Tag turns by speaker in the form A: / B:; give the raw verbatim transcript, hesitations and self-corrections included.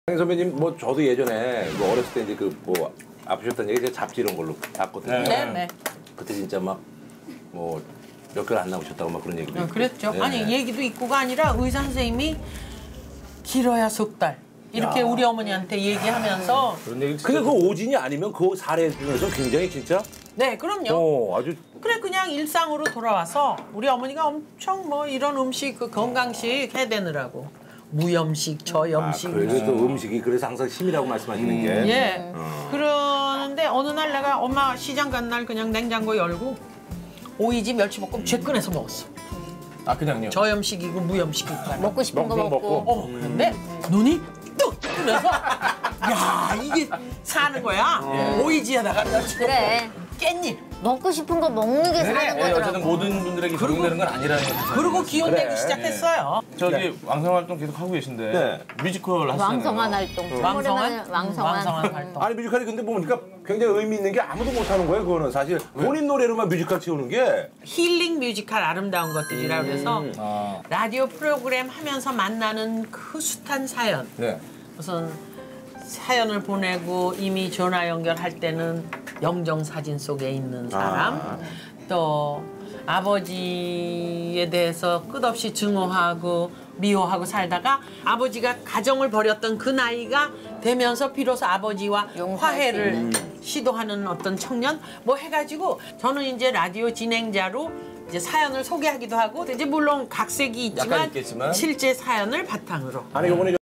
A: 선배님, 뭐 저도 예전에 뭐 어렸을 때 이제 그 뭐 아프셨다는 얘기 제가 잡지 이런 걸로 봤거든요.
B: 네, 네.
A: 그때 진짜 막 뭐 몇 개월 안 나오셨다고 막 그런 얘기도
B: 어,
A: 있고.
B: 그랬죠.
A: 네.
B: 아니 얘기도 있고가 아니라 의사 선생님이 길어야 석 달 이렇게
A: 야.
B: 우리 어머니한테 얘기하면서
A: 그런 얘기. 근데 그 오진이 아니면 그 사례 중에서 굉장히 진짜.
B: 네, 그럼요.
A: 어, 아주.
B: 그래 그냥 일상으로 돌아와서 우리 어머니가 엄청 뭐 이런 음식 그 건강식 해대느라고 무염식, 저염식.
A: 아, 그래서 또 음식이 그래서 항상 힘이라고 말씀하시는 게.
B: 예.
A: 어.
B: 그러는데 어느 날 내가 엄마 시장 간 날 그냥 냉장고 열고 오이지 멸치볶음 죄 꺼내서 먹었어.
C: 아 그냥요?
B: 저염식이고 무염식이니까.
D: 먹고 싶은 거
C: 먹고
D: 먹고.
B: 어, 근데 눈이 뚝 뜨면서 야 이게 사는 거야. 오이지에다가 멸치
D: 그래.
B: 깻잎.
D: 먹고 싶은 거 먹는 게 사는
C: 예,
D: 거더라고.
C: 어쨌든 모든 분들에게 적용되는 건 아니라는 거죠.
B: 그리고 기운
A: 그래.
B: 내기 시작했어요.
C: 저기
A: 네.
C: 왕성 활동 계속 하고 계신데
A: 네.
C: 뮤지컬 하시잖아요.
D: 왕성한 활동.
B: 왕성한
D: 왕성한.
B: 왕성한 활동.
A: 아니 뮤지컬이 근데 보니까 굉장히 의미 있는 게 아무도 못하는 거예요. 그거는 사실 본인 노래로만 뮤지컬 채우는 게.
B: 힐링 뮤지컬 아름다운 것들이라 그래서
C: 아,
B: 라디오 프로그램 하면서 만나는 그 숱한 사연.
C: 네.
B: 우선 사연을 보내고 이미 전화 연결할 때는 영정 사진 속에 있는 사람,
A: 아.
B: 또 아버지에 대해서 끝없이 증오하고 미워하고 살다가 아버지가 가정을 버렸던 그 나이가 되면서 비로소 아버지와
D: 용서할
B: 화해를
D: 수 있는.
B: 시도하는 어떤 청년 뭐 해가지고 저는 이제 라디오 진행자로 이제 사연을 소개하기도 하고 이제 물론 각색이 있지만,
C: 약간 있겠지만.
B: 실제 사연을 바탕으로
A: 아니 요번에